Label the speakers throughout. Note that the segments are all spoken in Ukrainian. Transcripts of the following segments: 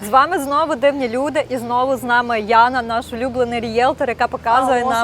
Speaker 1: З вами знову дивні люди, і знову з нами Яна, наш улюблений рієлтор, яка показує нам...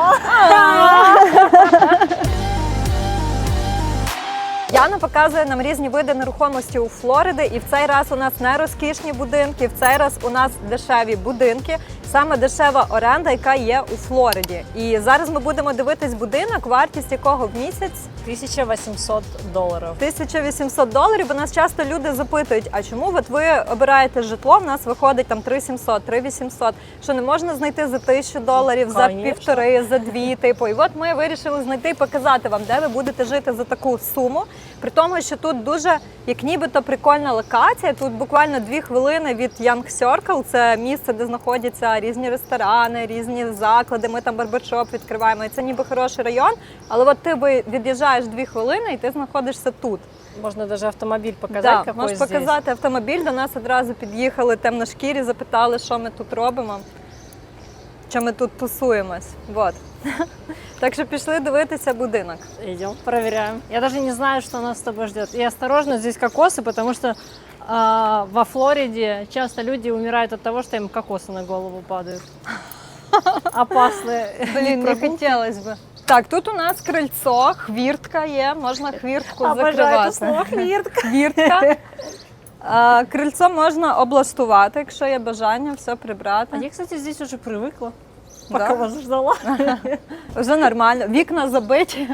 Speaker 1: Яна показує нам різні види нерухомості у Флориди, і в цей раз у нас не розкішні будинки, в цей раз у нас дешеві будинки, саме дешева оренда, яка є у Флориді. І зараз ми будемо дивитись будинок, вартість якого в місяць
Speaker 2: $1800.
Speaker 1: $1800. У нас часто люди запитують, а чому от ви обираєте житло, в нас виходить там 3700, 3800, що не можна знайти за $1000, за півтори, за дві, типу. І от ми вирішили знайти і показати вам, де ви будете жити за таку суму. При тому, що тут дуже, як нібито, прикольна локація. Тут буквально 2 хвилини від Young Circle. Це місце, де знаходяться різні ресторани, різні заклади. Ми там барбершоп відкриваємо. І це ніби хороший район. Але от ти від'їжджаєш 2 хвилини і ти знаходишся тут.
Speaker 2: Можна навіть автомобіль показати,
Speaker 1: да,
Speaker 2: який
Speaker 1: можеш
Speaker 2: здесь.
Speaker 1: показати автомобіль. До нас одразу під'їхали темношкірі, запитали, що ми тут робимо, що ми тут тусуємось. Вот. Так що пішли дивитися будинок.
Speaker 2: Идем, проверяем. Я даже не знаю, что нас с тобой ждет. И осторожно, здесь кокосы, потому что во Флориде часто люди умирают от того, что им кокосы на голову падают. Опасные.
Speaker 1: Блін, не хотілося б. Так, тут у нас крильцо, хвіртка є, можна хвіртку закривати.
Speaker 2: Обожаю це слово хвіртка.
Speaker 1: Хвіртка. Крильцо можна облаштувати, якщо є бажання, все прибрати.
Speaker 2: А я, кстати, здесь уже привыкла, пока
Speaker 1: Да?
Speaker 2: вас ждала.
Speaker 1: Вже нормально. Вікна забиті.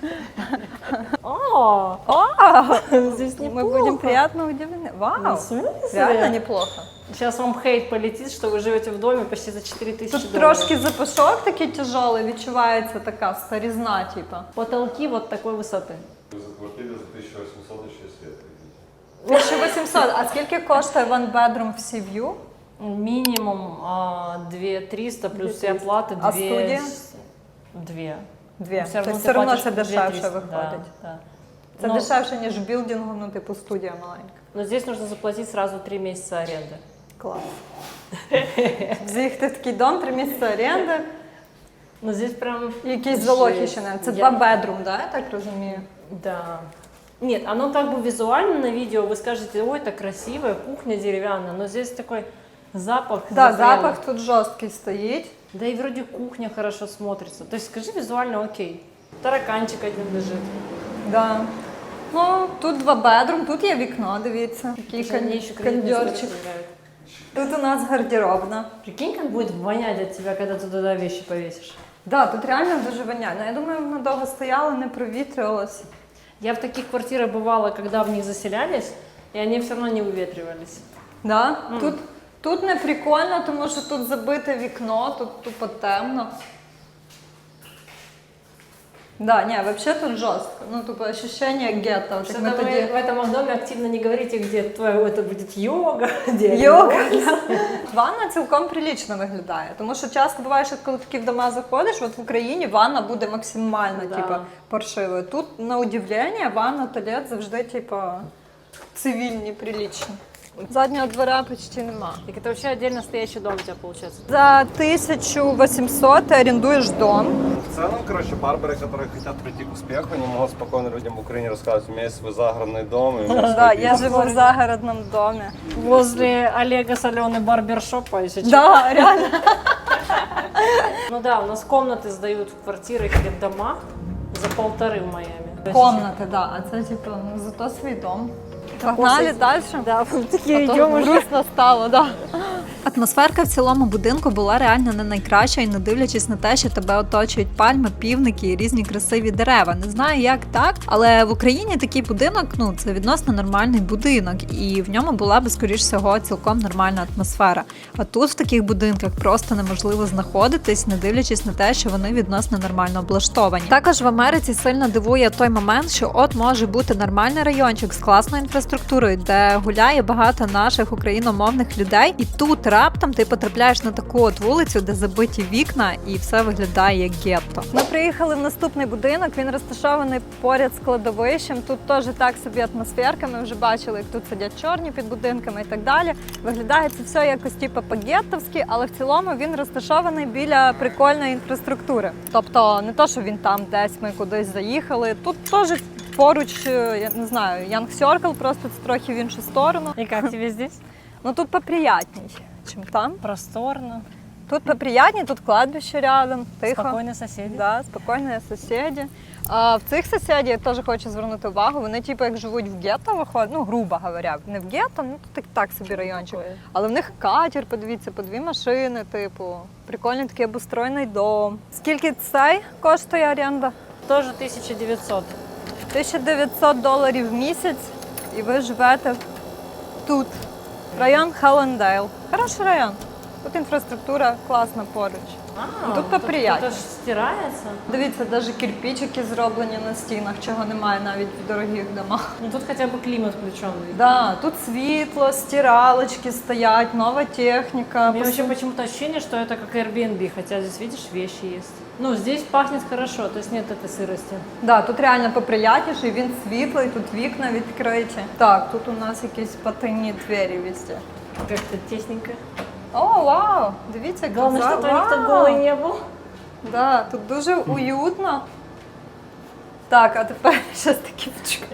Speaker 2: О, здесь
Speaker 1: Ми
Speaker 2: неплохо.
Speaker 1: будемо приємно удивлені. Вау,
Speaker 2: Ну, в смысле?
Speaker 1: реально неплохо.
Speaker 2: Сейчас вам хейт полетит, что вы живете в доме почти за $4000.
Speaker 1: Тут трошки запашок такий тяжелий, відчувається така старізна, типа.
Speaker 2: Потолки вот такой высоты.
Speaker 3: За квартиру за 1800 еще свет.
Speaker 1: 1800. А скільки коштує one bedroom в Sea-View?
Speaker 2: Минимум 2300 плюс все оплаты.
Speaker 1: А студия?
Speaker 2: 2.
Speaker 1: Дві.
Speaker 2: Все
Speaker 1: Тобто все одно це
Speaker 2: платишь
Speaker 1: дешевше
Speaker 2: 2300,
Speaker 1: виходить.
Speaker 2: Да.
Speaker 1: Це
Speaker 2: Но-
Speaker 1: дешевше, ніж в білдингу, ну типу студія маленька.
Speaker 2: Но здесь нужно заплатить сразу 3 месяца аренды.
Speaker 1: Клас. З'їхати в такий дом, 3 місяці оренди,
Speaker 2: Но здесь прям...
Speaker 1: якісь
Speaker 2: жесть.
Speaker 1: залоги ще не. Це
Speaker 2: Я-
Speaker 1: 2 бедрум, да, я так розумію?
Speaker 2: Да. Нет, оно как бы визуально на видео, вы скажете, ой, это красивая кухня деревянная, но здесь такой запах.
Speaker 1: Так,
Speaker 2: запряный.
Speaker 1: запах тут жорсткий стоїть.
Speaker 2: Да и вроде кухня хорошо смотрится. То есть скажи визуально окей. Тараканчик один лежит.
Speaker 1: Да. Ну, тут 2 бедрум, тут є вікно, дивіться. Такий
Speaker 2: Мне еще кредитный
Speaker 1: кондьорчик.
Speaker 2: нравится.
Speaker 1: Тут у нас гардеробна.
Speaker 2: Прикинь, как будет вонять от тебя, когда ты туда вещи повесишь.
Speaker 1: Да, тут реально дуже воняє. Ну, я думаю, воно довго стояло, не провітрювалося.
Speaker 2: Я в таких квартирах бывала, когда в них заселялись, и они все равно не выветривались.
Speaker 1: Да? Тут не прикольно, тому що тут забите вікно, тут тупо темно. Да, не, вообще тут жестко. Ну, тупо ощущение гетто. Вот,
Speaker 2: Что-то
Speaker 1: как мы
Speaker 2: вы
Speaker 1: тоді...
Speaker 2: в этом доме активно не говорите, где твоя, это будет йога, где
Speaker 1: Йога. Ванна цілком прилічно виглядає, тому що часто буває, що коли такі в дома заходиш, от в Україні ванна буде максимально
Speaker 2: Да.
Speaker 1: типу, паршивою. Тут, на удивлення, ванна, туалет завжди типу, цивільні, прилічні. Заднього двора почти нема.
Speaker 2: Так это вообще отдельно стоящий дом у тебя получается.
Speaker 1: За 1800 ти орендуєш дом.
Speaker 3: В целом, короче, барберы, которые хотят прийти к успеху, они могут спокойно людям в Украине рассказывать, у меня есть свой загородный дом, и у меня
Speaker 1: Да,
Speaker 3: свой
Speaker 1: я
Speaker 3: бизнес.
Speaker 1: живу в загородному домі.
Speaker 2: Возле Олега Соленый барбершопа, если честно.
Speaker 1: Да, реально.
Speaker 2: Ну да, у нас комнаты сдают в квартирах или в домах за 1,5 в Майами.
Speaker 1: Комната, да. А це типу, ну, зато свій дом. Погнали далі.
Speaker 2: Да, такие
Speaker 1: А то
Speaker 2: идем уже.
Speaker 1: грустно стало, да. Атмосферка в цілому будинку була реально не найкраща, і не дивлячись на те, що тебе оточують пальми, півники і різні красиві дерева. Не знаю, як так, але в Україні такий будинок, ну, це відносно нормальний будинок, і в ньому була би, скоріш всього, цілком нормальна атмосфера. А тут в таких будинках просто неможливо знаходитись, не дивлячись на те, що вони відносно нормально облаштовані. Також в Америці сильно дивує той момент, що от може бути нормальний райончик з класною інфраструктурою, де гуляє багато наших україномовних людей, і тут раптом ти потрапляєш на таку от вулицю, де забиті вікна, і все виглядає як гетто. Ми приїхали в наступний будинок, він розташований поряд з кладовищем. Тут теж так собі атмосферка, ми вже бачили, як тут сидять чорні під будинками і так далі. Виглядає це все якось типу по-геттовськи, але в цілому він розташований біля прикольної інфраструктури. Тобто не то, що він там десь ми кудись заїхали, тут теж поруч, я не знаю, Young Circle, просто це трохи в іншу сторону.
Speaker 2: И как тебе здесь?
Speaker 1: Ну тут поприятней, чем там.
Speaker 2: Просторно,
Speaker 1: Тут поприятней, тут кладбище рядом, тихо.
Speaker 2: спокойные соседи.
Speaker 1: Да, спокійні сусіди. А в цих сусідів я теж хочу звернути увагу. Вони типу як живуть в гетто, виходять, ну грубо говоря, не в гетто, ну тут так собі райончик.
Speaker 2: Такое.
Speaker 1: Але в них катер, подивіться, по 2 машини, типу, прикольний такий обустроєний дом. Скільки цей коштує оренда?
Speaker 2: Тоже 1900.
Speaker 1: $1900 в місяць, і ви живете тут. Район Халлендейл. Хороший район. Тут інфраструктура класна поруч. Тут поприятніше.
Speaker 2: Это ж стирается.
Speaker 1: Дивіться, навіть кирпичики зроблені на стінах, чого немає навіть в дорогих домах.
Speaker 2: Ну тут хотя бы климат включенный.
Speaker 1: Да, тут світло, стиралочки стоять, нова техніка.
Speaker 2: У меня вообще почему-то ощущение, что это как Airbnb, хотя здесь, видишь, вещи есть. Ну, здесь пахнет хорошо, то есть нет этой сырости.
Speaker 1: Да, тут реально поприятніше, він світлий, тут вікна відкриті. Так, тут у нас якісь потайні двері везде.
Speaker 2: Как-то тесненько.
Speaker 1: О, вау! Дивіться, як
Speaker 2: Главное,
Speaker 1: тут
Speaker 2: что
Speaker 1: вау!
Speaker 2: никто голый не был.
Speaker 1: Да, тут дуже уютно. Так, а тепер щось таке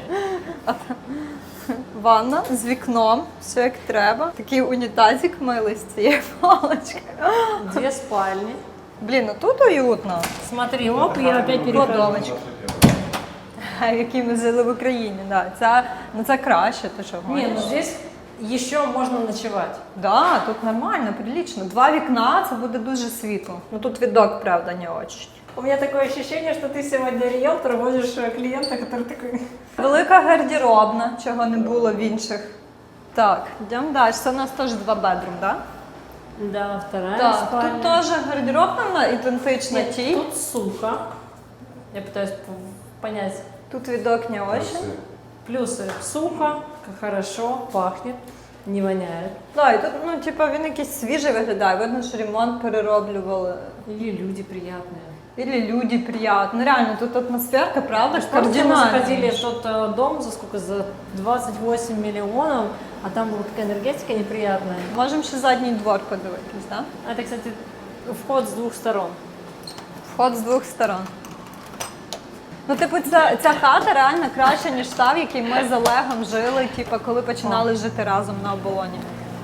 Speaker 1: ванна з вікном, все як треба. Такий унітазик милий з цією паличкою.
Speaker 2: 2 спальни.
Speaker 1: Блін, ну тут уютно.
Speaker 2: Смотри, оп, я опять перехожу.
Speaker 1: Кладовочка. Які ми жили в Україні, да. Це краще, ти що
Speaker 2: Не,
Speaker 1: гониш?
Speaker 2: ну здесь еще можно ночевать.
Speaker 1: Да, тут нормально, прилично. 2 вікна, це буде дуже світло. Ну тут відок, правда, не очень.
Speaker 2: У меня такое ощущение, что ты сегодня риэлтор, возишь клиента, который такой...
Speaker 1: Велика гардеробна, чого не було в інших. Так, йдемо далі. Це у нас теж 2 бедрум, да?
Speaker 2: Да, вторая
Speaker 1: Так,
Speaker 2: спальня.
Speaker 1: тут теж гардеробна ідентична
Speaker 2: Нет,
Speaker 1: тій.
Speaker 2: тут сухо. Я пытаюсь понять.
Speaker 1: Тут відок не очень.
Speaker 2: Плюсы сухо, хорошо, пахнет, не воняет.
Speaker 1: Так, і тут, ну, типа, він якийсь свіжий виглядає. Видно, що ремонт перероблювали.
Speaker 2: Или люди приятные.
Speaker 1: Или люди приятні. Ну, реально, тут атмосферка, правда,
Speaker 2: Помните, мы
Speaker 1: кардинальна.
Speaker 2: заходили в тот дом за сколько? За 28 миллионов, а там была такая энергетика неприятная.
Speaker 1: Можемо ще задній двор подивитись, так? Да?
Speaker 2: Это, кстати, вход с 2 сторон.
Speaker 1: Вход з 2 сторон. Ну, типу, ця хата реально краща, ніж та, в якій ми з Олегом жили, типу, коли починали жити разом на оболоні.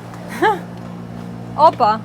Speaker 1: Опа!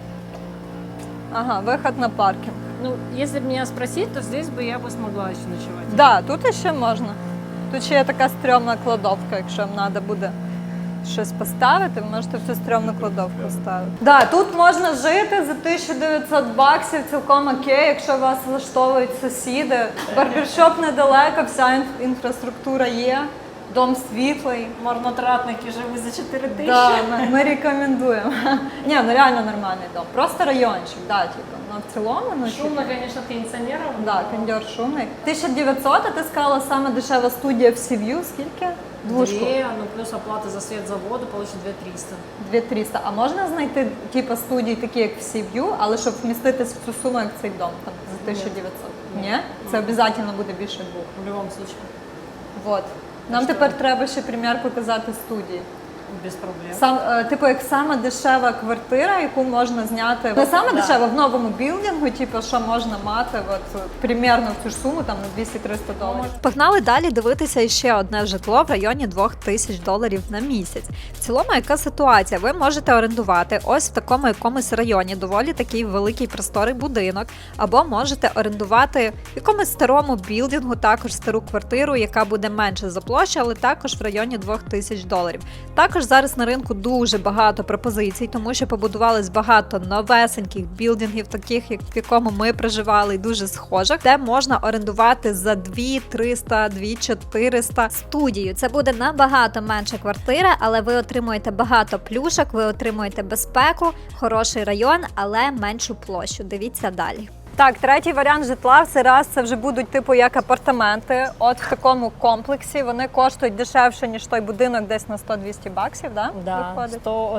Speaker 1: Ага, виход на паркінг.
Speaker 2: Ну, если бы меня спросить, то здесь бы я бы смогла еще ночевать.
Speaker 1: Да, тут ще можна. Тут ще є така стрьомна кладовка, якщо вам треба буде щось поставити, ви можете всю стрьомну кладовку ставити. Да, тут можна жити за $1900, цілком окей, якщо вас влаштовують сусіди. Барбершоп недалеко, вся інфраструктура є, дом світлий.
Speaker 2: Марнотратники живы за 4000.
Speaker 1: Да, ми рекомендуємо. Ні, ну реально нормальний дом. Просто райончик, да, типу. Ну, в цілому, ну,
Speaker 2: Шумно, конечно, кондиционером.
Speaker 1: да, кондер шумний. 1900, а ти сказала, саме дешева студія в Сів'ю, скільки? Двушку?
Speaker 2: 2, ну плюс оплата за свет за воду, получит 2300.
Speaker 1: 2300. А можна знайти типу студії такі, як в Сів'ю, але щоб вміститись в цю суму, як цей дом, там, за 1900? Ні? Це обов'язково буде більше 2.
Speaker 2: В любом случае,
Speaker 1: Вот. Нам тепер треба ще примір показати студії.
Speaker 2: без проблем.
Speaker 1: Типу, як сама дешева квартира, яку можна зняти. Не саме дешева, в новому білдингу, типу, що можна мати от, примерно в цю ж суму, там, на $200-300. Погнали далі дивитися іще одне житло в районі $2000 на місяць. В цілому, яка ситуація? Ви можете орендувати ось в такому якомусь районі, доволі такий великий просторий будинок, або можете орендувати в якомусь старому білдингу, також стару квартиру, яка буде менше за площу, але також в районі $2000. Також зараз на ринку дуже багато пропозицій, тому що побудувались багато новесеньких білдингів, таких, як в якому ми проживали, і дуже схожих, де можна орендувати за 2300, 2400 студію. Це буде набагато менша квартира, але ви отримуєте багато плюшок, ви отримуєте безпеку, хороший район, але меншу площу. Дивіться далі. Так, третій варіант житла в цей раз це вже будуть типу як апартаменти. От в такому комплексі вони коштують дешевше, ніж той будинок, десь на $100-200, да?
Speaker 2: Да,
Speaker 1: Виходить?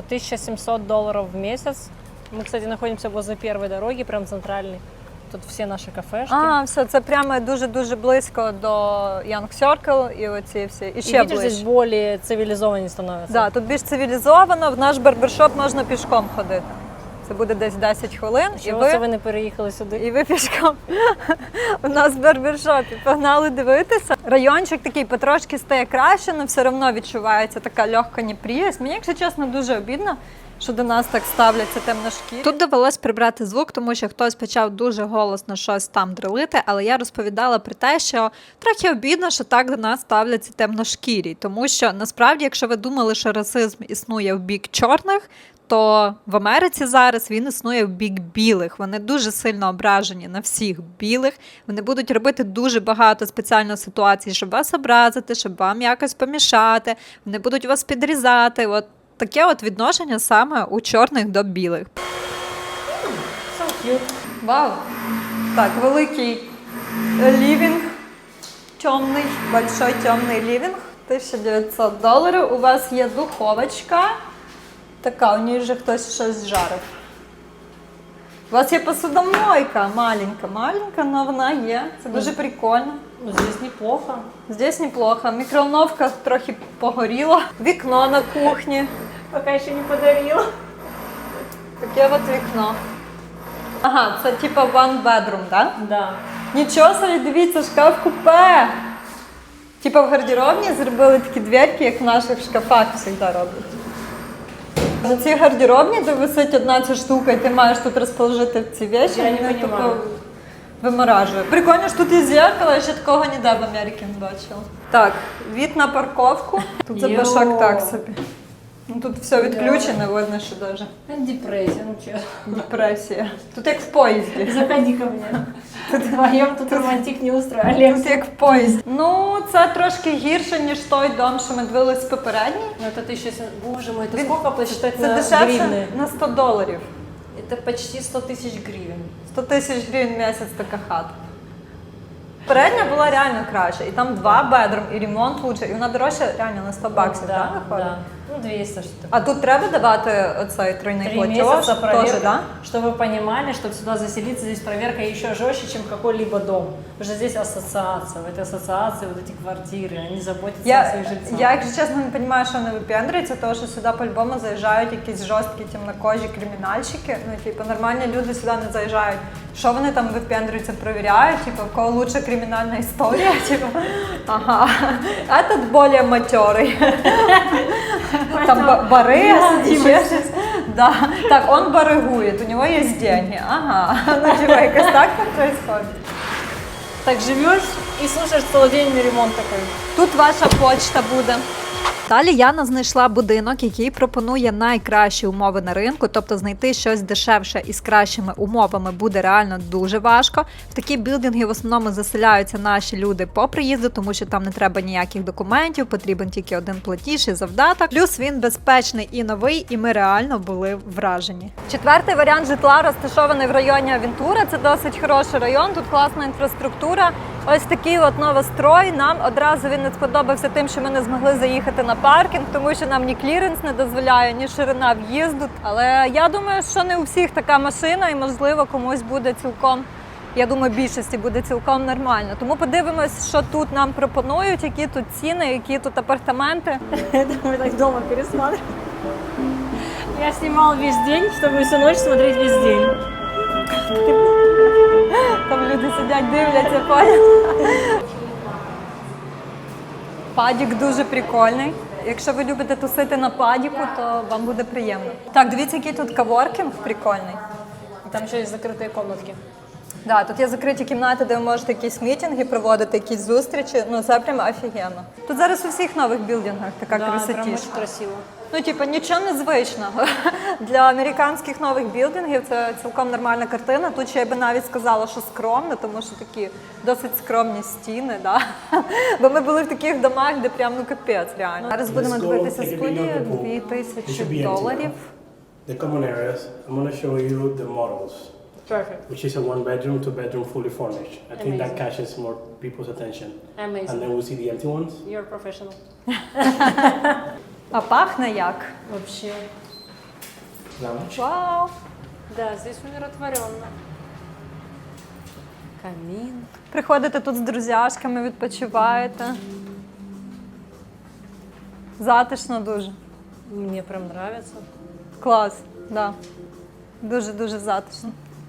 Speaker 2: $1700 в месяц. Мы, кстати, находимся возле первой дороги, прям центральной. Тут все наши кафешки.
Speaker 1: А, все, це прямо дуже-дуже близько до Young Circle і оці всі. І
Speaker 2: И
Speaker 1: ще
Speaker 2: видишь,
Speaker 1: ближче.
Speaker 2: здесь более цивилизованнее становится.
Speaker 1: Да, тут більш цивілізовано, в наш барбершоп можна пішком ходити. Це буде десь 10 хвилин.
Speaker 2: Чого це ви не переїхали сюди?
Speaker 1: І ви пішком у нас в барбершопі погнали дивитися. Райончик такий потрошки стає краще, але все одно відчувається така легка неприязнь. Мені, якщо чесно, дуже обідно, що до нас так ставляться темношкірі. Тут довелось прибрати звук, тому що хтось почав дуже голосно щось там дрелити, але я розповідала про те, що трохи обідно, що так до нас ставляться темношкірі. Тому що насправді, якщо ви думали, що расизм існує в бік чорних, то в Америці зараз він існує в бік білих. Вони дуже сильно ображені на всіх білих. Вони будуть робити дуже багато спеціально ситуацій, щоб вас образити, щоб вам якось помішати. Вони будуть вас підрізати. От таке от відношення саме у чорних до білих.
Speaker 2: So cute.
Speaker 1: Вау! Так, великий лівінг. Темний, большой темний лівінг. $1900. У вас є духовочка. Така, у ній вже хтось щось жарив. У вас є посудомойка, маленька, але вона є. Це дуже прикольно.
Speaker 2: Ну, здесь неплохо.
Speaker 1: Здесь неплохо. Мікроволновка трохи погоріла. Вікно на кухні.
Speaker 2: Пока ще не подарила.
Speaker 1: Таке от вікно. Ага, це типа one bedroom, так?
Speaker 2: Да.
Speaker 1: Нічого собі, дивіться, шкаф-купе. Типа в гардеробні зробили такі дверки, як в наших шкафах завжди роблять. За ці гардеробні, де висить одна ця штука, і ти маєш тут розположити ці речі,
Speaker 2: Я не
Speaker 1: мене
Speaker 2: понимаю.
Speaker 1: тако виморажує. Прикольно, що тут є зеркало, я ще такого ніде в Америці не бачила. Так, від на парковку. Тут запашок так собі. Ну, тут все відключено, видно, що даже
Speaker 2: Депрессия, ну честно.
Speaker 1: депресія. Тут як в поїзді.
Speaker 2: Заходи ко мне. Вдвоем тут романтик не устроили.
Speaker 1: Тут як в поїзді. Ну, це трошки гірше, ніж той дом, що ми дивились попередній.
Speaker 2: Ну это ты сейчас, боже мой, это сколько посчитать
Speaker 1: Це
Speaker 2: на
Speaker 1: дешевше
Speaker 2: гривны?
Speaker 1: на $100.
Speaker 2: Это почти 100 тысяч гривен.
Speaker 1: 100 тисяч гривень в місяць така хата. Передня була реально краще, і там 2 бедрум, і ремонт лучше, і вона дорожча реально на 100 баксів, так, виходить?
Speaker 2: да. Ну, 200 что-то.
Speaker 1: А тут треба давати оцей тройний
Speaker 2: 3
Speaker 1: платеж?
Speaker 2: месяца
Speaker 1: Теж,
Speaker 2: проверка,
Speaker 1: да?
Speaker 2: чтобы вы понимали, чтобы сюда заселиться, здесь проверка еще жестче, чем какой-либо дом. Потому что здесь ассоциация, в этой ассоциации вот эти квартиры, они заботятся о своих жильцах.
Speaker 1: Я, якщо чесно, не розумію, що вони випендрюються, тому що сюди по-любому заїжджають якісь жорсткі темнокожі кримінальщики. Ну, типу, нормальні люди сюди не заїжджають. Що вони там випендрюються, перевіряють, типу, в кого лучша кримінальна історія, типу, ага, а тут більш материй. Там барига, ще щось. Да. Так, он баригує, у нього є деньги. Ага, ну типу, якось так там происходит.
Speaker 2: Так живешь и слушаешь целый день ремонт такой.
Speaker 1: Тут ваша почта буде. Далі Яна знайшла будинок, який пропонує найкращі умови на ринку, тобто знайти щось дешевше і з кращими умовами буде реально дуже важко. В такі білдинги в основному заселяються наші люди по приїзду, тому що там не треба ніяких документів, потрібен тільки один платіж і завдаток. Плюс він безпечний і новий, і ми реально були вражені. Четвертий варіант житла розташований в районі Авентура. Це досить хороший район, тут класна інфраструктура. Ось такий от новострой. Нам одразу він не сподобався тим, що ми не змогли заїхати на паркінг, тому що нам ні кліренс не дозволяє, ні ширина в'їзду. Але я думаю, що не у всіх така машина і, можливо, комусь буде цілком, я думаю, більшості буде цілком нормально. Тому подивимось, що тут нам пропонують, які тут ціни, які тут апартаменти.
Speaker 2: Это мы так дома пересматриваем. Я снимал весь день, чтобы всю ночь смотреть весь день.
Speaker 1: Там люди сидять, дивляться, понял? Падік дуже прикольний. Якщо ви любите тусити на падіку, то вам буде приємно. Так, дивіться, який тут каворкінг прикольний.
Speaker 2: Там еще есть закрытые комнатки.
Speaker 1: Да, тут є закриті кімнати, де ви можете якісь мітинги проводити, якісь зустрічі. Ну, це прям офігенно. Тут зараз у всіх нових білдингах така
Speaker 2: Да, прям
Speaker 1: красотіша.
Speaker 2: очень красиво.
Speaker 1: Ну, типу, нічого незвичного. Для американських нових білдингів це цілком нормальна картина. Тут ще я би навіть сказала, що скромно, тому що такі досить скромні стіни, да? Бо ми були в таких домах, де прям, ну, капець, реально. Зараз будемо дивитися студію, $2000.
Speaker 4: The common areas. I'm going to show you the models,
Speaker 2: Perfect.
Speaker 4: which is a 1-bedroom, 2-bedroom, fully furnished. I think that
Speaker 2: Amazing.
Speaker 4: catches more people's attention. And
Speaker 2: Amazing.
Speaker 4: then we'll see the empty ones.
Speaker 2: You're a professional.
Speaker 1: А пахне як?
Speaker 2: Вообще.
Speaker 4: Lounge.
Speaker 1: Вау!
Speaker 2: Да, здесь умиротворенно. Камин.
Speaker 1: Приходите тут з друзяшками, відпочиваєте. Затишно дуже.
Speaker 2: Мне прям нравится.
Speaker 1: Клас, да. Дуже-дуже затишно.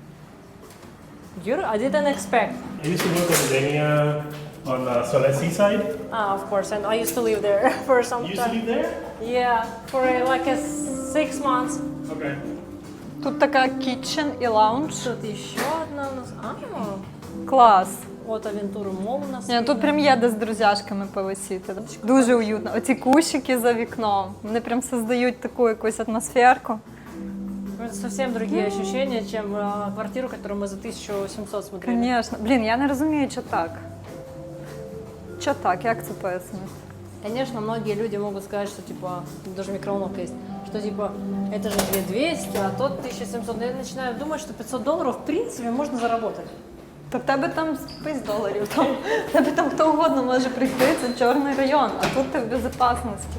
Speaker 2: I didn't expect.
Speaker 4: I used to work in Dania on Solar Seaside.
Speaker 2: Of course, and I used to live there for some
Speaker 4: You used to
Speaker 2: time.
Speaker 4: live there?
Speaker 2: Yeah, for like 6 months.
Speaker 4: Okay.
Speaker 1: Тут така kitchen і лаунж.
Speaker 2: Тут еще одна у нас.
Speaker 1: Клас.
Speaker 2: Вот Авентура Мол у нас.
Speaker 1: Ні, тут прям є де з друзяшками повисіти. Дуже уютно. Оці кущики за вікном, вони прям создають таку якусь атмосферку.
Speaker 2: Это совсем другие ощущения, чем квартиру, которую мы за 1700 смотрели.
Speaker 1: Звісно. Блін, я не розумію, що так. Що так? Як це пояснити?
Speaker 2: Конечно, многие люди могут сказать, что типа, даже микроволновка есть, что типа, это же 2200, а тот 1700. Но я начинаю думать, что $500 в принципе можно заработать.
Speaker 1: Та в тебе там $5, там, в тебе там хто угодно може прийти, це чорний район, а тут ти в безпечності.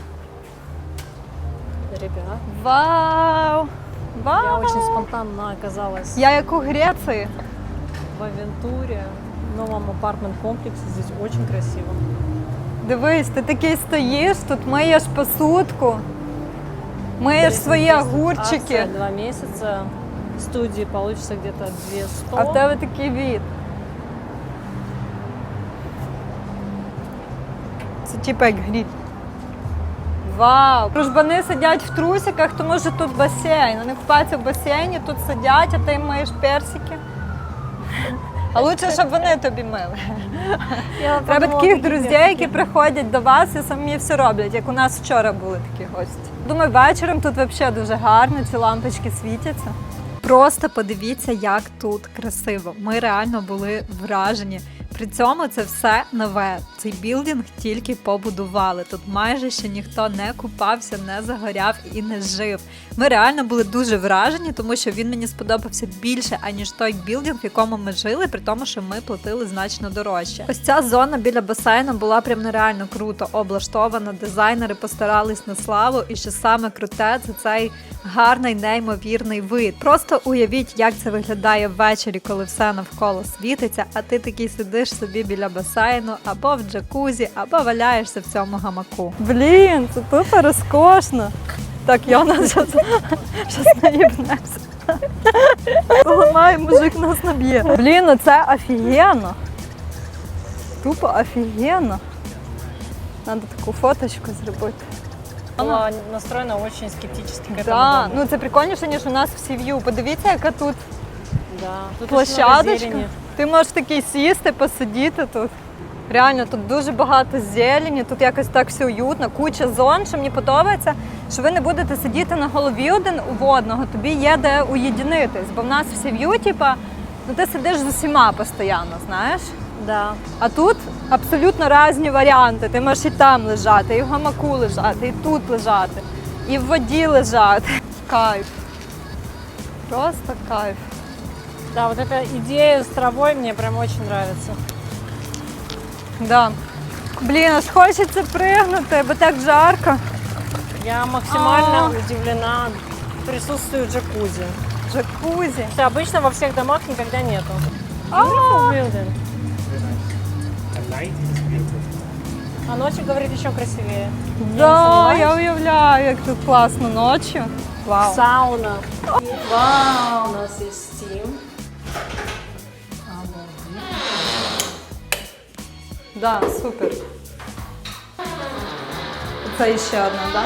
Speaker 2: Ребят,
Speaker 1: Вау!
Speaker 2: я
Speaker 1: Вау!
Speaker 2: очень спонтанно оказалась
Speaker 1: Я як у Греції.
Speaker 2: в Авентуре, в новом апартмент-комплексе. Здесь очень красиво.
Speaker 1: Дивись, ти такий стоїш, тут миєш посудку, миєш свої огурчики,
Speaker 2: Акция 2 месяца. В студии получится где-то 200.
Speaker 1: а в тебе такий від. Це типу як гріб. Вау! Дружбани сидять в трусиках, тому що тут басейн. Вони купаються в басейні, тут сидять, а ти їм миєш персики. А лучше, щоб вони тобі мили.
Speaker 2: Я
Speaker 1: Треба
Speaker 2: подумала,
Speaker 1: таких
Speaker 2: какие
Speaker 1: друзів,
Speaker 2: персики.
Speaker 1: які приходять до вас і самі все роблять, як у нас вчора були такі гості. Думаю, вечором тут взагалі дуже гарно, ці лампочки світяться. Просто подивіться, як тут красиво. Ми реально були вражені. При цьому це все нове. Цей білдинг тільки побудували. Тут майже ще ніхто не купався, не загоряв і не жив. Ми реально були дуже вражені, тому що він мені сподобався більше, аніж той білдинг, в якому ми жили, при тому, що ми платили значно дорожче. Ось ця зона біля басейну була прям нереально круто облаштована. Дизайнери постарались на славу, і що саме круте, це цей гарний, неймовірний вид. Просто уявіть, як це виглядає ввечері, коли все навколо світиться, а ти такий сидиш собі біля басейну, або в джакузі, або валяєшся в цьому гамаку. Блін, це тупо розкошно. Так, Йона щас наїбнемося. Поламає, мужик нас наб'є. Блін, ну це офігенно. Тупо офігенно. Надо таку фоточку зробити.
Speaker 2: Была настроена очень скептически к этому
Speaker 1: Да,
Speaker 2: дому.
Speaker 1: ну це прикольніше, ніж у нас в Сів'ю. Подивіться, яка тут
Speaker 2: Да, тут очень много
Speaker 1: площадочка.
Speaker 2: зелени.
Speaker 1: Ти можеш такий сісти, посидіти тут. Реально, тут дуже багато зелені, тут якось так все уютно, куча зон, що мені подобається, що ви не будете сидіти на голові один у одного, тобі є де уєдинитись. Бо в нас в Сів'ю, типа, ну ти сидиш з усіма постійно, знаєш?
Speaker 2: Да.
Speaker 1: А тут абсолютно різні варіанти. Ти можеш і там лежати, і в гамаку лежати, і тут лежати, і в воді лежати. Кайф. Просто кайф.
Speaker 2: Да, вот эта идея с травой мне прям очень нравится.
Speaker 1: Да. Блін, аж хочеться пригнути, бо так жарко.
Speaker 2: Я максимально удивлена присутствию джакузи.
Speaker 1: Джакузі.
Speaker 2: Что обычно во всех домах никогда нету.
Speaker 1: А.
Speaker 2: Beautiful building.
Speaker 4: At night it's beautiful.
Speaker 2: А ночью, говорит, еще красивее.
Speaker 1: Да, я уявляю, як тут класно ночі. Вау.
Speaker 2: Сауна.
Speaker 1: Вау.
Speaker 2: У нас есть Steam.
Speaker 1: Да, супер. Це ще одна, да?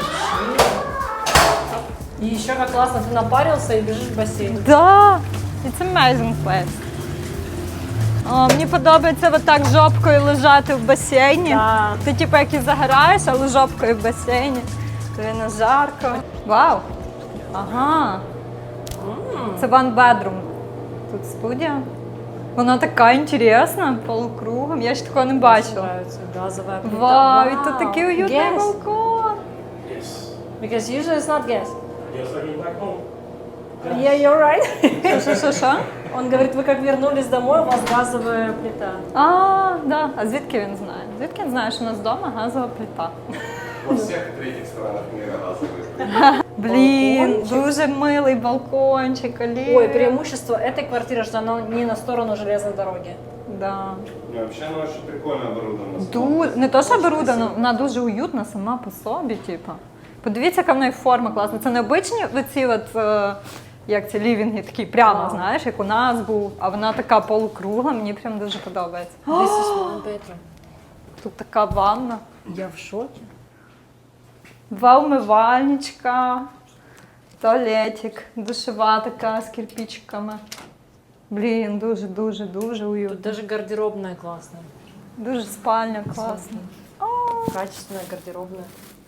Speaker 2: И еще как классно, ты напарился и бежишь в бассейн.
Speaker 1: Да, it's amazing place. О, мені подобається отак жопкою лежати в басейні.
Speaker 2: Да.
Speaker 1: Ти типу як і загораєш, але жопкою в басейні. Тобі не жарко. Вау. Ага. Це one bedroom. Тут студія. Вона така інтересна, полукругом. Я ще такого не бачила.
Speaker 2: Нравится газовая плита.
Speaker 1: Вау, і тут такий уютний
Speaker 2: Gas.
Speaker 1: балкон.
Speaker 4: Yes.
Speaker 2: Because usually it's not gas.
Speaker 4: Just like in back home.
Speaker 2: Yeah, you're right.
Speaker 1: Що?
Speaker 2: Он говорит, вы как вернулись домой, у вас газовая плита.
Speaker 1: А, да. А звідки він знає? Звідки він знає, що у нас вдома газова плита?
Speaker 3: Во всех третьих странах мира газовые.
Speaker 1: Блін,
Speaker 2: Балкончик.
Speaker 1: дуже милий балкончик, Олі.
Speaker 2: Ой, преимущество этой квартиры, что она не на сторону железной дороги.
Speaker 1: Да.
Speaker 3: Ну, вообще, она очень прикольно оборудована.
Speaker 1: Дуже, не то, що оборудована, вона дуже уютна сама по собі, типу. Подивіться, яка в неї форма класна. Це необичні оці от як ці лівінги, такі прямо,
Speaker 2: Вау.
Speaker 1: знаєш, як у нас був, а вона така полукругла, мені прям дуже подобається.
Speaker 2: This is one bedroom.
Speaker 1: Тут така ванна,
Speaker 2: Я в шоке.
Speaker 1: два умивальничка, туалетик, душова така з кирпичиками. Блін, дуже уютно.
Speaker 2: Тут даже гардеробная классная.
Speaker 1: Дуже спальня класна.
Speaker 2: Качественная гардеробная.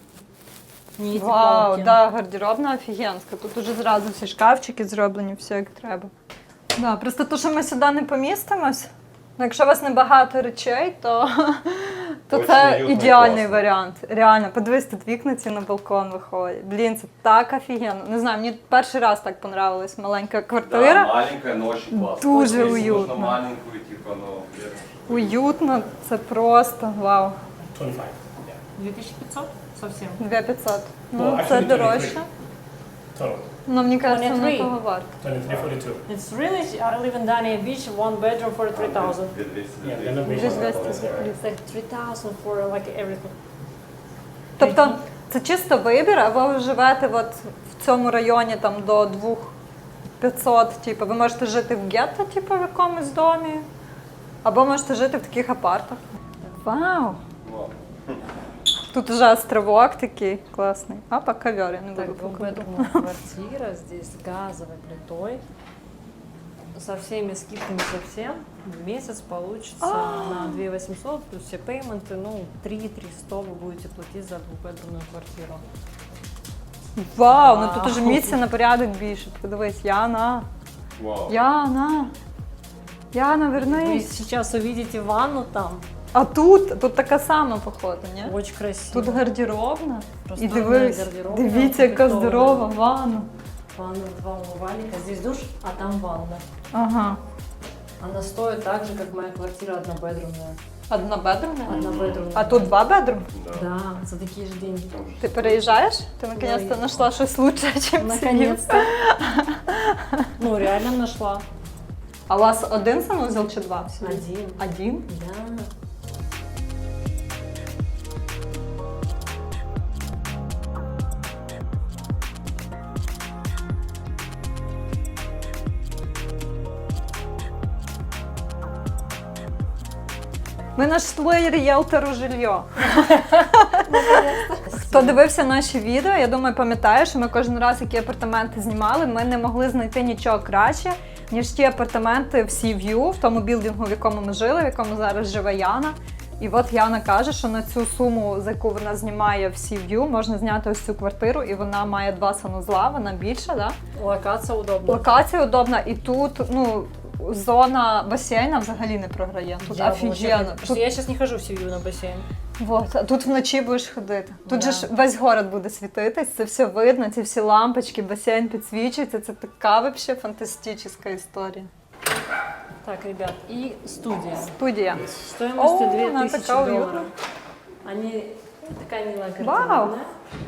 Speaker 2: Не эти
Speaker 1: Вау,
Speaker 2: палки.
Speaker 1: да, гардеробна офігенська. Тут уже зразу всі шкафчики зроблені, все як треба. Да, просто то, що ми сюди не помістимось, ну, якщо у вас небагато речей, то
Speaker 3: Очень
Speaker 1: це
Speaker 3: уютно і
Speaker 1: ідеальний
Speaker 3: класно.
Speaker 1: варіант. Реально, подивись, тут вікна ці на балкон виходять. Блін, це так офігенно. Не знаю, мені перший раз так понравилась маленька квартира.
Speaker 3: Да, маленькая, но очень классно.
Speaker 1: Дуже
Speaker 3: Если
Speaker 1: уютно.
Speaker 3: нужно маленькую, типа, ну, где-то.
Speaker 1: Уютно, це просто вау.
Speaker 4: 25. Yeah.
Speaker 2: 2500? Совсем.
Speaker 1: 2500. Ну,
Speaker 4: Well,
Speaker 1: це
Speaker 4: actually,
Speaker 1: дорожче.
Speaker 4: Total.
Speaker 1: Ну, мені кажеться, воно
Speaker 2: 23.
Speaker 1: того варто.
Speaker 4: 23.42.
Speaker 2: It's really, I live in Dania Beach, one bedroom for 3,000.
Speaker 4: Yeah, then the
Speaker 1: Just
Speaker 4: basement.
Speaker 1: West
Speaker 2: It's like 3,000 for like everything.
Speaker 1: Тобто це чисто вибір, а ви живете от в цьому районі там до 2500, типу, ви можете жити в гетто, типу, в якомусь домі, або можете жити в таких апартах. Вау!
Speaker 3: Вот.
Speaker 1: Тут вже островок такий класний. А, по ковер, я не
Speaker 2: Так,
Speaker 1: буду показувати.
Speaker 2: двухбедромная квартира, здесь с газовой плитой. Со всеми скидками совсем. В месяц получится на 2800 плюс все пейменты, ну 3300 вы будете платить за двухбедромную квартиру.
Speaker 1: Вау, ну тут
Speaker 2: Вау.
Speaker 1: уже місця на порядок більше. Подивись, Яна,
Speaker 3: Вау.
Speaker 1: Яна,
Speaker 2: Вы
Speaker 1: вернись.
Speaker 2: сейчас увидите ванну там,
Speaker 1: А тут така сама, походу, ні?
Speaker 2: очень красиво.
Speaker 1: Тут гардеробна. І
Speaker 2: Просторная
Speaker 1: дивись,
Speaker 2: гардеробная,
Speaker 1: дивіться, яка
Speaker 2: укомплектованная.
Speaker 1: здорова ванна.
Speaker 2: Ванна, два умывальника, здесь душ, а там ванна.
Speaker 1: Ага.
Speaker 2: Она стоит так же, как моя квартира однобедрумная.
Speaker 1: Однобедрумна?
Speaker 2: Однобедрумная.
Speaker 1: А тут два бедрум?
Speaker 2: Да, за такие же деньги.
Speaker 1: Ти переїжджаєш? Ти наконец-то
Speaker 2: я-
Speaker 1: знайшла щось лучше, ніж
Speaker 2: Наконец-то. Ну, реально нашла.
Speaker 1: А у вас один санузел чи два?
Speaker 2: Один.
Speaker 1: Один?
Speaker 2: Да.
Speaker 1: Ми знайшли ріелтору жилье. Хто дивився наші відео, я думаю, пам'ятає, що ми кожен раз, які апартаменти знімали, ми не могли знайти нічого краще, ніж ті апартаменти в Sea View, в тому білдингу, в якому ми жили, в якому зараз живе Яна. І от Яна каже, що на цю суму, за яку вона знімає в Sea View, можна зняти ось цю квартиру, і вона має два санузла, вона більша, да?
Speaker 2: Локация удобна.
Speaker 1: Локація удобна, і тут, ну, зона басейна взагалі не програє. Тут
Speaker 2: Я вообще
Speaker 1: офігенно.
Speaker 2: хочу. Просто я сейчас не хожу в семью на бассейн.
Speaker 1: Вот, а тут вночі будеш ходити. Тут
Speaker 2: Да.
Speaker 1: же ж весь город буде світитись, це все видно, ці всі лампочки, басейн підсвічується. Це така вообще фантастична історія.
Speaker 2: Так, ребят, и студия.
Speaker 1: Студія.
Speaker 2: Стоимостью
Speaker 1: О, она
Speaker 2: 2000
Speaker 1: такая
Speaker 2: долларов.
Speaker 1: уютная.
Speaker 2: Они такая милая
Speaker 1: Вау.
Speaker 2: гардеробная.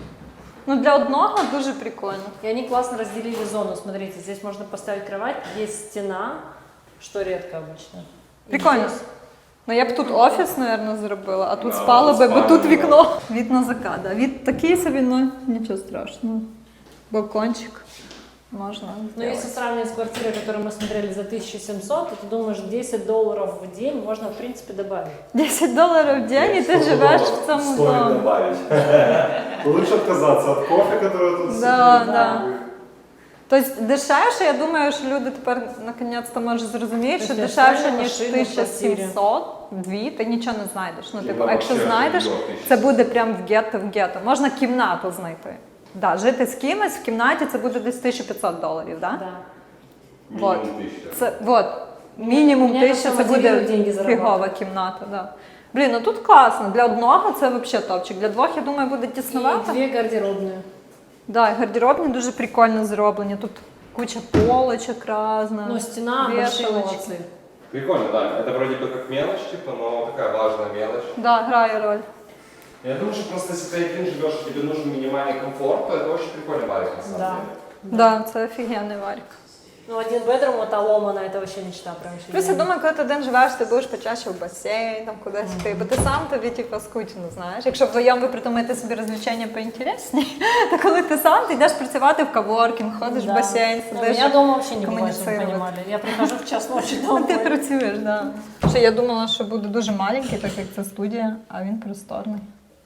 Speaker 1: Ну для одного дуже прикольно.
Speaker 2: И они классно разделили зону. Смотрите, здесь можно поставить кровать, есть стена, что редко обычно. И
Speaker 1: Прикольно.
Speaker 2: здесь
Speaker 1: Ну я б тут офіс, мабуть, зробила, а тут
Speaker 3: Да,
Speaker 1: спала би, бо
Speaker 3: спальня,
Speaker 1: тут
Speaker 3: да.
Speaker 1: вікно. Від на закат, да. Від такий собі, ну нічого страшного. Балкончик можна.
Speaker 2: Ну,
Speaker 1: зробити.
Speaker 2: если сравнивать с квартирой, которую мы смотрели за 1700, то ты думаешь, 10 долларов в день можно, в принципе, добавить.
Speaker 1: $10 в день, і ти живеш в цьому
Speaker 3: Стоит
Speaker 1: домі.
Speaker 3: добавить. Лучше отказаться от кофе, который тут
Speaker 1: Да,
Speaker 3: сидит.
Speaker 1: да. Тобто дешевше, я думаю, що люди тепер наконець-то можуть зрозуміти, що
Speaker 2: Тобто
Speaker 1: дешевше,
Speaker 2: реально
Speaker 1: ніж
Speaker 2: машина в
Speaker 1: 1700, 2, ти нічого не знайдеш. Ну, типу,
Speaker 3: Ну,
Speaker 1: а якщо
Speaker 3: вообще,
Speaker 1: знайдеш,
Speaker 3: до 1000.
Speaker 1: це буде прям в гетто. Можна кімнату знайти. Да, жити з кимось в кімнаті це буде десь $1500, да?
Speaker 2: Да.
Speaker 1: Вот.
Speaker 3: Минимум 1000.
Speaker 1: Це, вот, мінімум
Speaker 2: Меня это
Speaker 1: 1000 це
Speaker 2: мотивирует
Speaker 1: буде
Speaker 2: деньги зарабатывать.
Speaker 1: фігова кімната. Да. Блін, ну тут класно. Для одного це взагалі топчик. Для двох, я думаю, буде
Speaker 2: И
Speaker 1: тісновато.
Speaker 2: 2 гардеробные.
Speaker 1: Да, і гардеробні дуже прикольно зроблені. Тут куча полочок різних.
Speaker 2: Но стена большие
Speaker 1: вешалочки.
Speaker 2: молодцы.
Speaker 3: Прикольно, да. Это вроде бы как мелочь, типа, но такая важная мелочь.
Speaker 1: Да, грає роль.
Speaker 3: Я думаю, что просто если ты один живешь, и тебе нужен минимальный комфорт, то это очень прикольный варик на самом
Speaker 2: Да.
Speaker 3: деле.
Speaker 1: Да, це офігенний варік.
Speaker 2: Ну, один бедрум, это ломано, это вообще мечта прям. вообще.
Speaker 1: Плюс я думаю, коли ти один живеш, ти будеш почаще в басейн, там кудись йти, бо ти сам тобі типу, скучно, знаєш. Якщо вдвоєм ви придумаєте собі розвлечення поінтересні, то коли ти сам, ти йдеш працювати в коворкінг, ходиш в басейн,
Speaker 2: Ну,
Speaker 1: сидиш.
Speaker 2: меня дома вообще не бывает, чтобы вы
Speaker 1: коммуницировать.
Speaker 2: понимали. Я прихожу в час ночи
Speaker 1: Ну,
Speaker 2: домой.
Speaker 1: ти працюєш, да. Ще я думала, що буде дуже маленький, так як це студія, а він просторний.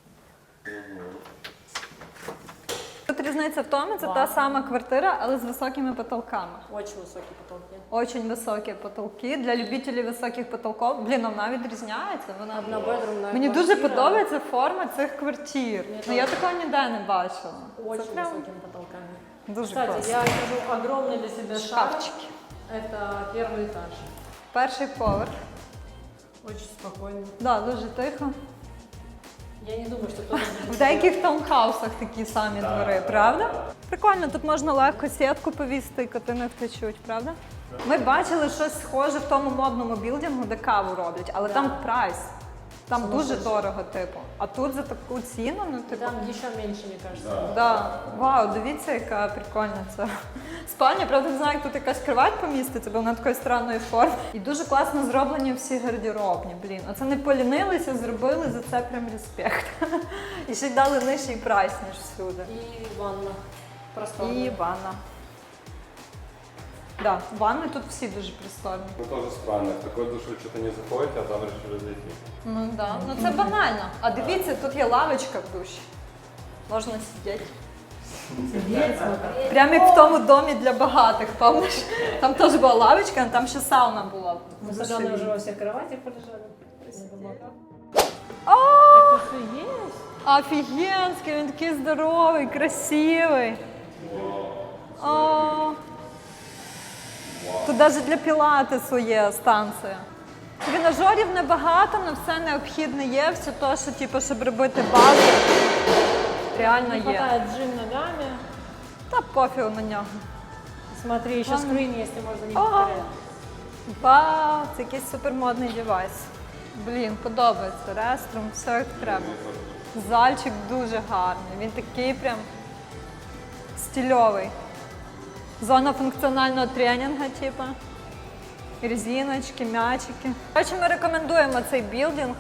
Speaker 1: Тут різниця в тому, це та сама квартира, але з високими потолками.
Speaker 2: Очень высокие потолки.
Speaker 1: Очень високі потолки. Для любителів високих потолків, блін, вона відрізняється. Вона
Speaker 2: Однобедрумная
Speaker 1: Мені дуже
Speaker 2: квартира.
Speaker 1: подобається форма цих квартир. Ну я такого ніде не бачила.
Speaker 2: Очень
Speaker 1: Це прям
Speaker 2: высокими потолками.
Speaker 1: дуже
Speaker 2: Кстати,
Speaker 1: класно.
Speaker 2: я скажу огромный для себя шаг.
Speaker 1: Шкафчики.
Speaker 2: Это первый этаж.
Speaker 1: Перший поверх.
Speaker 2: Очень спокойно.
Speaker 1: Да, дуже тихо.
Speaker 2: Я не думаю, что кто-то
Speaker 1: В деяких таунхаусах такі самі двори, правда? Прикольно, тут можна легко сітку повісти і коти не втечуть, правда? Ми бачили щось схоже в тому модному білдингу, де каву роблять, але там прайс. Там дуже дорого, типу. А тут за таку ціну, ну типу.
Speaker 2: Там еще меньше, мне кажется.
Speaker 1: Да. Вау, дивіться, яка прикольна ця спальня. Правда, не знаю, як тут якась кровать поміститься, бо вона такої странної форми. І дуже класно зроблені всі гардеробні. Блін, оце не полінилися, зробили, за це прям респект. І ще й дали нижчий прайс, ніж всюди.
Speaker 2: И ванна. Просторная.
Speaker 1: І ванна. Да, ванни тут всі дуже просторні.
Speaker 3: Ну тоже странно, в такой душ вы что-то не заходите, а там решили зайти.
Speaker 1: Ну да, ну це банально. А дивіться, тут є лавочка в душі. Можна сидіти. Прямо як в тому домі для багатих, пам'ятаєш? Там теж була лавочка, а там ще сауна була.
Speaker 2: Мы с Аленой уже во всех кроватях полежали.
Speaker 1: О,
Speaker 2: Офигеть!
Speaker 1: офігенський, він такий здоровий, красивий. О, тут навіть для пілатесу є станція. Тренажерів небагато, але все необхідне є, все те, що, типу, щоб робити базу, реально
Speaker 2: Не
Speaker 1: є.
Speaker 2: хватает джим ногами.
Speaker 1: Та пофігу на нього.
Speaker 2: Смотри, еще скрин есть, и можно не
Speaker 1: Ага.
Speaker 2: повторять.
Speaker 1: Вау, це якийсь супермодний девайс. Блін, подобається. Реструм, все як треба. Зальчик дуже гарний. Він такий прям стильовий. Зона функціонального тренінгу, типу. Резиночки, м'ячики. Коротше, ми рекомендуємо цей білдинг.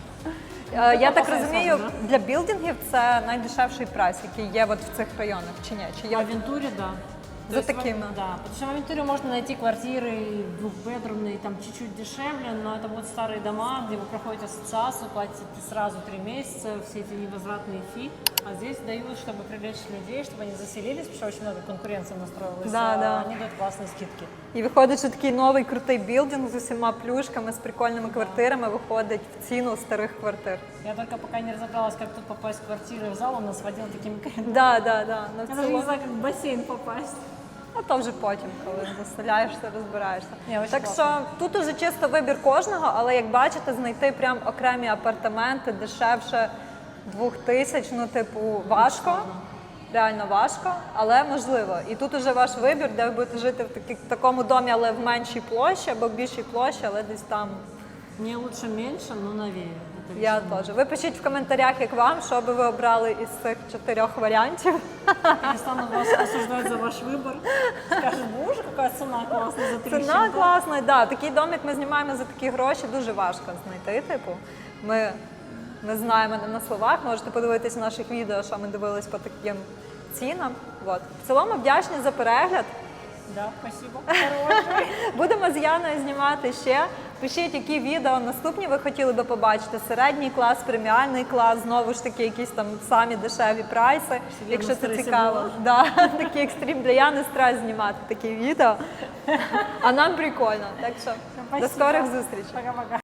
Speaker 1: Я так розумію, для білдингів це найдешевший прайс, який є от в цих районах, чи ні? Чи
Speaker 2: В
Speaker 1: є?
Speaker 2: Авентуре, да.
Speaker 1: За
Speaker 2: То есть
Speaker 1: такими.
Speaker 2: Да, потому что в Авентуре можно найти квартиры двухбедрумные, там чуть-чуть дешевле, но это будут старые дома, где вы проходите ассоциацию, платите сразу 3 месяца, все эти невозвратные фи. А здесь дают, чтобы привлечь людей, чтобы они заселились, потому что очень много конкуренции настроилась.
Speaker 1: Да, да.
Speaker 2: Они дают классные скидки.
Speaker 1: І виходить, що такий новий крутий білдинг з усіма плюшками, з прикольними квартирами виходить в ціну старих квартир.
Speaker 2: Я только пока не разобралась, как тут попасть в квартиры в зал, он нас водил такими коридорами.
Speaker 1: Да. Ну, в
Speaker 2: Я даже не
Speaker 1: цілому-
Speaker 2: знаю, как в бассейн попасть.
Speaker 1: А то вже потім, коли заселяєшся, розбираєшся.
Speaker 2: Ні, очень
Speaker 1: Так
Speaker 2: класно.
Speaker 1: що тут уже чисто вибір кожного, але як бачите, знайти прям окремі апартаменти дешевше 2000, ну типу важко. Реально важко, але можливо. І тут уже ваш вибір, де ви будете жити в такому домі, але в меншій площі або в більшій площі, але десь там.
Speaker 2: Мне лучше меньше, но новее. Это
Speaker 1: Я теж. Ви пишіть в коментарях, як вам, що би ви обрали із цих 4 варіантів.
Speaker 2: перестану вас осуждать за ваш выбор. Скажут, боже, какая цена классная за 3
Speaker 1: Ціна класна, да. Такий домик ми знімаємо за такі гроші, дуже важко знайти. Типу, ми знаємо не на словах, можете подивитись в наших відео, що ми дивились по таким цінам. Вот. В цілому вдячні за перегляд.
Speaker 2: Да, спасибо. Хороший.
Speaker 1: Будемо з Яною знімати ще. Пишіть, які відео наступні ви хотіли би побачити. Середній клас, преміальний клас, знову ж таки, якісь там самі дешеві прайси. Якщо це
Speaker 2: стресі
Speaker 1: цікаво.
Speaker 2: було.
Speaker 1: Да, такий екстрім для Яни стрес знімати такі відео. А нам прикольно. Так що до
Speaker 2: Спасибо.
Speaker 1: скорих зустрічей.
Speaker 2: Пока-пока.